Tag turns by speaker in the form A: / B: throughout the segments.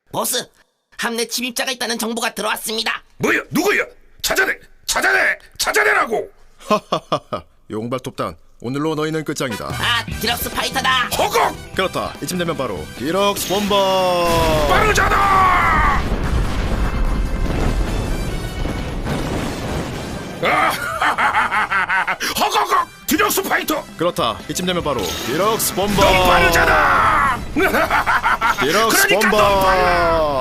A: 보스, 함내 침입자가 있다는 정보가 들어왔습니다.
B: 뭐야? 누구야? 찾아내라고!
C: 하하하하. 용발톱단, 오늘로 너희는 끝장이다.
A: 아, 디럭스 파이터다.
B: 허걱!
C: 그렇다. 이쯤 되면 바로 디럭스 본버.
B: 빠르잖아! 허걱! 디럭스 파이터!
C: 그렇다. 이쯤 되면 바로 디럭스 본버.
B: 넌 빠르잖아!
C: 디럭스
B: 그러니까
C: 본버.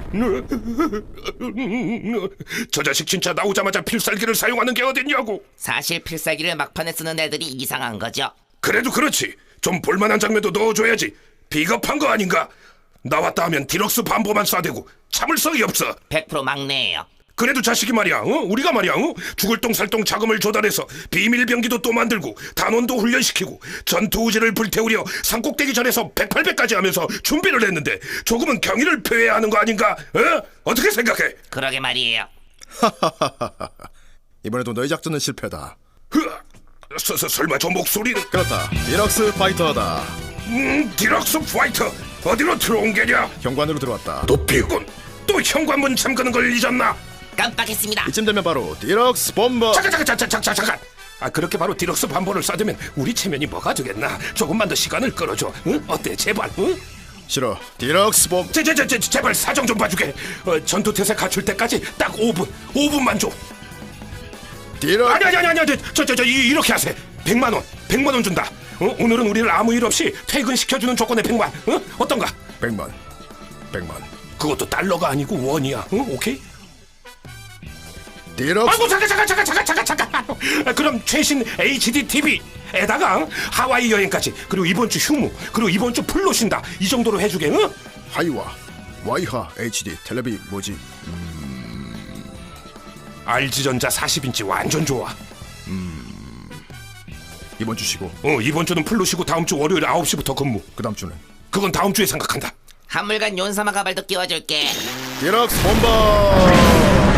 B: 저 자식 진짜 나오자마자 필살기를 사용하는 게 어딨냐고.
A: 사실 필살기를 막판에 쓰는 애들이 이상한 거죠.
B: 그래도 그렇지. 좀 볼만한 장면도 넣어줘야지. 비겁한 거 아닌가? 나왔다 하면 디럭스 반보만 쏴대고 참을성이 없어.
A: 100% 막내예요.
B: 그래도 자식이 말이야, 우리가 말이야, 죽을 똥살똥 자금을 조달해서 비밀병기도 또 만들고 단원도 훈련시키고 전투우지를 불태우려 산꼭대기 전에서 108배까지 하면서 준비를 했는데 조금은 경의를 표해야 하는 거 아닌가? 어떻게 생각해?
A: 그러게 말이에요.
C: 이번에도 너희 작전은 실패다.
B: 설마 저 목소리는?
C: 그렇다. 디럭스 파이터다.
B: 디럭스 파이터 어디로 들어온 게냐?
C: 현관으로 들어왔다.
B: 도피군 또 현관문 잠그는 걸 잊었나?
A: 깜빡했습니다.
C: 이쯤 되면 바로 디럭스 본버.
B: 잠깐. 그렇게 바로 디럭스 반보를 쏴대면 우리 체면이 뭐가 되겠나? 조금만 더 시간을 끌어줘. 어때, 제발?
C: 싫어. 디럭스 본버.
B: 제발 사정 좀 봐주게. 전투태세 갖출 때까지 딱 5분만 줘.
C: 디럭스.
B: 아니, 이렇게 하세. 100만 원 준다. 오늘은 우리를 아무 일 없이 퇴근시켜주는 조건에 100만. 어떤가?
C: 100만.
B: 그것도 달러가 아니고 원이야. 오케이?
C: 디럭스.
B: 아이고 잠깐. 그럼 최신 HD TV에다가 하와이 여행까지, 그리고 이번 주 휴무, 그리고 이번 주 풀로 쉰다. 이 정도로 해주게.
C: 하이와 와이하 HD 텔레비 뭐지?
B: RG전자 40인치 완전 좋아.
C: 이번 주 쉬고
B: 이번 주는 풀로 쉬고 다음 주 월요일 9시부터 근무.
C: 그 다음 주는
B: 그건 다음 주에 생각한다.
A: 한물간 윤사마 가발도 끼워줄게.
C: 디럭스 본버.